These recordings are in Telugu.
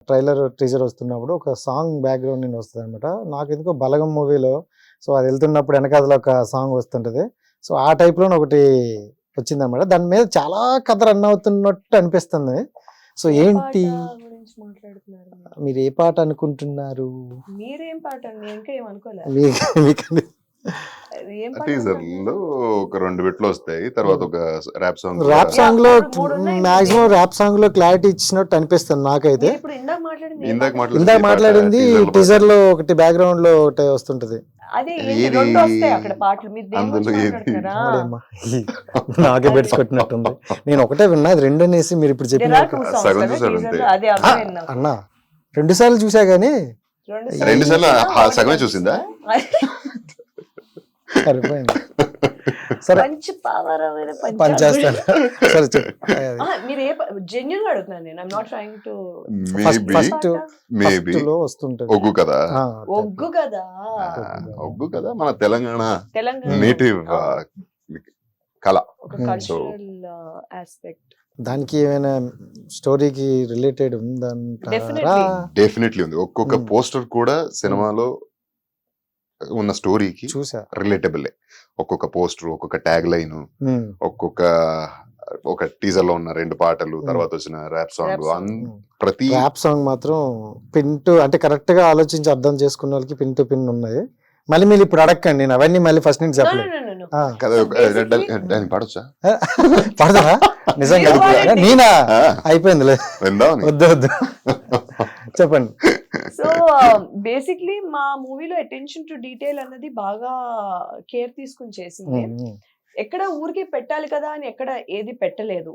ట్రైలర్ టీజర్ వస్తున్నప్పుడు ఒక సాంగ్ బ్యాక్గ్రౌండ్ నుండి వస్తుంది అనమాట. నాకు ఎందుకో బలగం మూవీలో సో అది వెళ్తున్నప్పుడు వెనకాల ఒక సాంగ్ వస్తుంటది. సో ఆ టైప్ లో ఒకటి వచ్చిందనమాట. దాని మీద చాలా కథ రన్ అవుతున్నట్టు అనిపిస్తుంది. సో ఏంటి గురించి మాట్లాడుతున్నారు మీరు ఏ పాట అనుకుంటున్నారు? మీరేం పాట నేను ఇంకా ఏం అనుకోలేదు. ఏం పాట టీజర్ లో ఒక 2 బిట్లు వస్తాయి, తర్వాత ఒక ర్యాప్ సాంగ్. ర్యాప్ సాంగ్ లో మూడు ఉన్నాయి. మాక్సిమం ర్యాప్ సాంగ్ లో క్లారిటీ ఇచ్చినట్టు అనిపిస్తుంది నాకైతే. మీరు ఇప్పుడు ఇందాక మాట్లాడింది ఏం ఇందాక పాట? ఇందాక మాట్లాడింది టీజర్ లో ఒకటి బ్యాక్గ్రౌండ్ లో ఒకటి వస్తుంటది. అదే ఏంటి, ఏది? రెండు వస్తాయి అక్కడ పాటలు. మీరు దేని అందులో గురించి ఏది? మాట్లాడుతున్నారా? అమ్మా, నాకే బెడ్స్ కొట్టినట్టుంది. నేను ఒకటే విన్నా, అది రెండు అనేసి మీరు ఇప్పుడు There చెప్పిన are two songs సగం కదా చూసారు teaser అంతే. లో. అదే అర్థమైంది నాకు. అన్నా 2 సార్లు చూసా గానీ రెండు సార్లు చూసినా సగమే చూసిందా? సరిపోయింది. సరే మంచి పావరమైన పని చేస్తాను. సరే చెప్పు. మీరు ఏ జెన్యున్ గా అడుగుతున్నాను నేను. I'm not trying to. Maybe లో వస్తుంటది. ఒగ్గు కదా. ఒగ్గు కదా, ఒగ్గు కదా మన తెలంగాణ తెలంగాణ నేటివ్ కళ. ఒక కల్చరల్ ఆస్పెక్ట్. దానికి ఏమైనా స్టోరీకి రిలేటెడ్ ఉందంటారా? Definitely. డెఫినెట్లీ ఉంది. ఒక్కొక్క పోస్టర్ కూడా సినిమాలో ఉన్న స్టోరీకి చూసా. రిలేటబుల్. ఒక్కొక్క పోస్టర్, ఒక్కొక్క ట్యాగ్ లైన్, ఒక టీజర్ లో ఉన్న 2 పాటలు, తర్వాత వచ్చిన ర్యాప్ సాంగ్, ప్రతి ర్యాప్ సాంగ్ మాత్రం పిన్ టు అంటే కరెక్ట్ గా ఆలోచించి అర్థం చేసుకున్న వాళ్ళకి పిన్ టు పిన్ ఉన్నాయి. మళ్ళీ మీరు ఇప్పుడు అడగండి, నేను అవన్నీ మళ్ళీ ఫస్ట్ నుంచి చెప్పలేదు. దాన్ని పాడొచ్చా? పడతారా నిజంగా? నేనా అయిపోయిందిలే, విందామని. వద్దు వద్దు చెప్పండి. సో బేసిక్లీ మా మూవీలో అటెన్షన్ టు డీటెయిల్ అన్నది బాగా కేర్ తీసుకుని చేసింది. ఎక్కడ ఊరికే పెట్టాలి కదా అని ఎక్కడ ఏది పెట్టలేదు.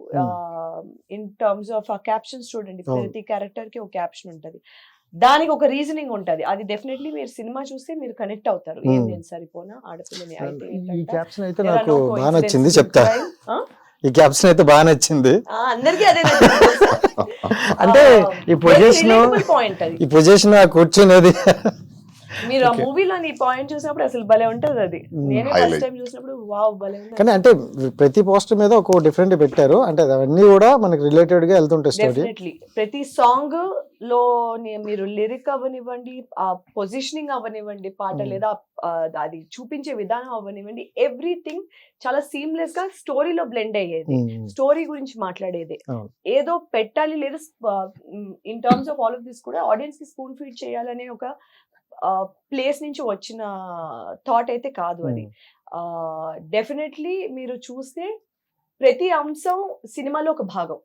ఇన్ టర్మ్స్ ఆఫ్ ఆ క్యాప్షన్స్ చూడండి, ప్రతి క్యారెక్టర్ కి ఒక క్యాప్షన్ ఉంటది, దానికి ఒక రీజనింగ్ ఉంటది. అది డెఫినెట్లీ మీరు సినిమా చూస్తే మీరు కనెక్ట్ అవుతారు. ఏం నేను సరిపోనా ఆడపిల్లని అయితే ఈ ఏంటంట, క్యాప్షన్ అయితే there are నాకు no బాగా coincidences నచ్చింది, in చెప్తా. crime. ఈ క్యాప్షన్ అయితే బాగా నచ్చింది. అందరికీ అదే నచ్చింది. అంటే ఈ పొజిషన్, పాయింట్ అది. ఈ పొజిషన్ కూర్చునేది మీరు ఆ మూవీలోని పాయింట్ చూసినప్పుడు అసలు భలే ఉంటది అది. నేనే ఫస్ట్ టైం చూసినప్పుడు వావ్ భలే ఉంది. కానీ అంటే ప్రతి పోస్టర్ మీద ఒక డిఫరెంట్ పెట్టారు. అంటే అవన్నీ కూడా మనకి రిలేటెడ్ గా వెళ్తుంటాయి స్టోరీ. డెఫినెట్లీ ప్రతి సాంగ్ లో మీరు లిరిక్ అవ్వనివ్వండి, ఆ పొజిషనింగ్ అవ్వనివ్వండి, పాట లేదా అది చూపించే విధానం అవ్వనివ్వండి, ఎవ్రీథింగ్ చాలా సీమ్లెస్ గా స్టోరీలో బ్లెండ్ అయ్యేది. స్టోరీ గురించి మాట్లాడేది. ఏదో పెట్టాలి లేదా in terms of all of this కూడా ఆడియన్స్ కి స్పూన్ ఫీడ్ చేయాలనే ఒక ప్లేస్ నుంచి వచ్చిన థాట్ అయితే కాదు అది. డెఫినెట్లీ మీరు చూస్తే ప్రతి అంశం సినిమాలో ఒక భాగం.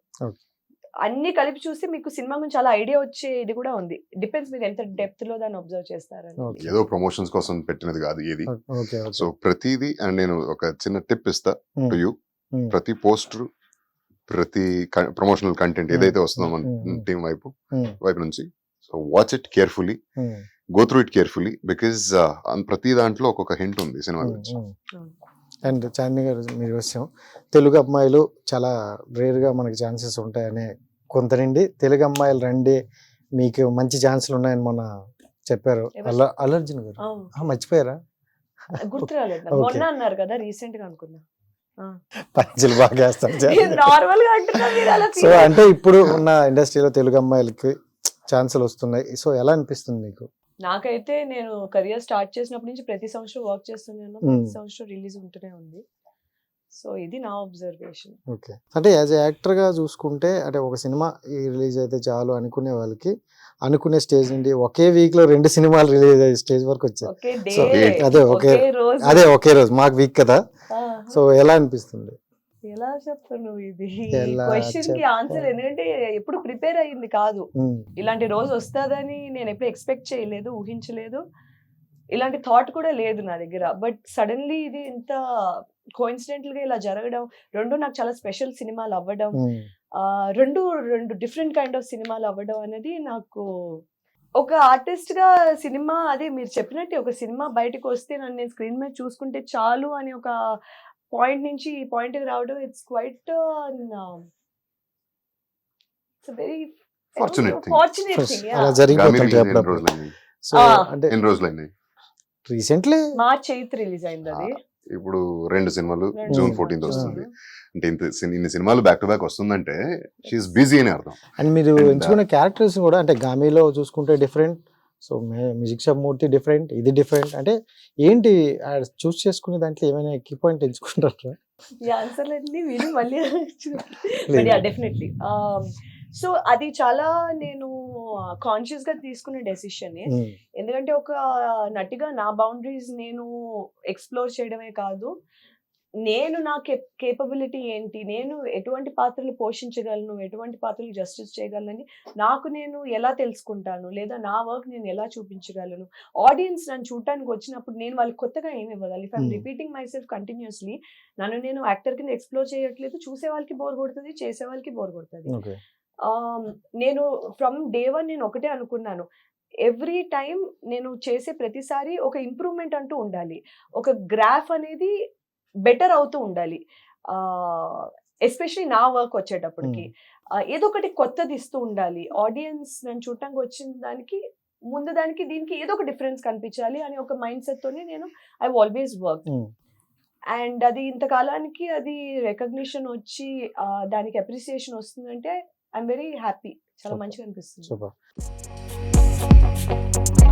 అన్ని కలిపి చూస్తే మీకు సినిమా గురించి చాలా ఐడియా వచ్చే ఇది కూడా ఉంది. డిపెండ్స్ మీరు ఎంత డెప్త్ లో దాన్ని అబ్జర్వ్ చేస్తారని. ఏదో ప్రమోషన్స్ కోసం పెట్టినది కాదు ఏది. సో ప్రతిదీ, అండ్ నేను ఒక చిన్న టిప్ ఇస్తా టు యూ. ప్రతి పోస్టర్, ప్రతి ప్రమోషనల్ కంటెంట్ ఏదైతే వస్తుందో మన టీం వైపు నుంచి, so watch it carefully, go through it carefully, because ప్రతి దాంట్లో ఒక్కొక్క హింట్ ఉంది సినిమా గురించి. అండ్ చాందిని గారు, మీరు విషయం తెలుగు అమ్మాయిలు చాలా రేర్ గా మనకి ఛాన్సెస్ ఉంటాయని కొంత నుండి తెలుగు అమ్మాయిలు రండి మీకు మంచి ఛాన్సులు ఉన్నాయని మొన్న చెప్పారు అల్లర్జున్ గారు. మర్చిపోయారా? గుర్తు రాలేదు. మొన్న అన్నారు కదా, రీసెంట్ గా అనుకున్నా. పంచులు బాగా వేస్తాం. నార్మల్ గా అంటున్నా. సో అంటే ఇప్పుడు ఉన్న ఇండస్ట్రీలో తెలుగు అమ్మాయిలకి ఛాన్సులు వస్తున్నాయి. సో ఎలా అనిపిస్తుంది మీకు? నాకైతే నేను కెరియర్ స్టార్ట్ చేసినప్పటి నుంచి ప్రతి సంవత్సరం వర్క్ చేస్తున్నాను. ప్రతి సంవత్సరం రిలీజ్ ఉంటూనే ఉంది. సో ఇది నా అబ్జర్వేషన్. ఓకే. అంటే యాజ్ యాక్టర్ గా చూసుకుంటే, అంటే ఒక సినిమా రిలీజ్ అయితే చాలు అనుకునే వాళ్ళకి అనుకునే స్టేజ్ నుండి ఒకే వీక్ లో 2 సినిమాలు రిలీజ్ అయ్యే స్టేజ్ వరకు వచ్చాయి. అదే ఒకే రోజు, మాకు వీక్ కదా. సో ఎలా అనిపిస్తుంది? ఎలా చెప్తాను ఇది క్వశ్చన్ కి ఆన్సర్, ఎందుకంటే ఎప్పుడు ప్రిపేర్ అయ్యింది కాదు. ఇలాంటి రోజు వస్తుందని నేను ఎప్పుడు ఎక్స్పెక్ట్ చేయలేదు, ఊహించలేదు. ఇలాంటి థాట్ కూడా లేదు నా దగ్గర. బట్ సడన్లీ ఇది ఇంత కోఇన్సిడెంటల్ గా ఇలా జరగడం, రెండు నాకు చాలా స్పెషల్ సినిమాలు అవ్వడం, రెండు డిఫరెంట్ కైండ్ ఆఫ్ సినిమాలు అవ్వడం అనేది నాకు ఒక ఆర్టిస్ట్ గా సినిమా, అదే మీరు చెప్పినట్టు ఒక సినిమా బయటకు వస్తే నన్ను నేను స్క్రీన్ మీద చూసుకుంటే చాలు అని ఒక పాయింట్ నుంచి ఈ పాయింట్ కి రావడం, it's quite very fortunate thing. అలా జరిగిపోతుంది. సో అంటే ఎన్ని రోజులైంది? రీసెంట్లీ మార్చ్ 8 రిలీజ్ అయింది అది. ఇప్పుడు 2 సినిమాలు రెండు జూన్ సినిమాలు. 14th ఆ. వస్తుంది. అంటే ఇన్ని సినిమాలు బ్యాక్ టు బ్యాక్ వస్తుందంటే షీఈస్ బిజీ అని అర్థం. అండ్ మీరు And, ఎంచుకున్న క్యారెక్టర్స్ కూడా అంటే గామిలో చూసుకుంటే different, so music shop Murthy different, ఇది డిఫరెంట్. అంటే ఏంటి చూస్ చేసుకునే దాంట్లో ఏమైనా కీ పాయింట్ ఎంచుకుంటారా? ఈ ఆన్సర్లన్నీ విని మళ్ళీ లేదు. డెఫినెట్లీ. సో అది చాలా నేను కాన్షియస్ గా తీసుకునే డెసిషన్. ఎందుకంటే ఒక నటిగా నా బౌండరీస్ నేను ఎక్స్ప్లోర్ చేయడమే కాదు, నేను నా కేపబిలిటీ ఏంటి, నేను ఎటువంటి పాత్రలు పోషించగలను, ఎటువంటి పాత్రలు జస్టిస్ చేయగలను, నాకు నేను ఎలా తెలుసుకుంటాను, లేదా నా వర్క్ నేను ఎలా చూపించగలను, ఆడియన్స్ నన్ను చూడటానికి వచ్చినప్పుడు నేను వాళ్ళకి కొత్తగా ఏమి ఇవ్వగలను. If I'm repeating myself continuously, నన్ను నేను యాక్టర్ కింద ఎక్స్ప్లోర్ చేయట్లేదు, చూసే వాళ్ళకి బోర్ కొడుతుంది, చేసే వాళ్ళకి బోర్ కొడుతుంది. ఓకే. నేను ఫ్రమ్ డే 1 నేను ఒకటే అనుకున్నాను, ఎవ్రీ టైం నేను చేసే ప్రతిసారి ఒక ఇంప్రూవ్మెంట్ అంటూ ఉండాలి, ఒక గ్రాఫ్ అనేది బెటర్ అవుతూ ఉండాలి. ఎస్పెషలీ నా వర్క్ వచ్చేటప్పటికి ఏదో ఒకటి కొత్తది ఇస్తూ ఉండాలి. ఆడియన్స్ నన్ను చూడటానికి వచ్చిన దానికి ముందు దానికి దీనికి ఏదో ఒక డిఫరెన్స్ కనిపించాలి అని ఒక మైండ్ సెట్ తోనే నేను ఐ ఆల్వేస్ వర్క్. అండ్ అది ఇంతకాలానికి అది రికగ్నిషన్ వచ్చి దానికి అప్రిసియేషన్ వస్తుందంటే ఐఎమ్ వెరీ హ్యాపీ. చాలా Super. మంచిగా అనిపిస్తుంది. సూపర్.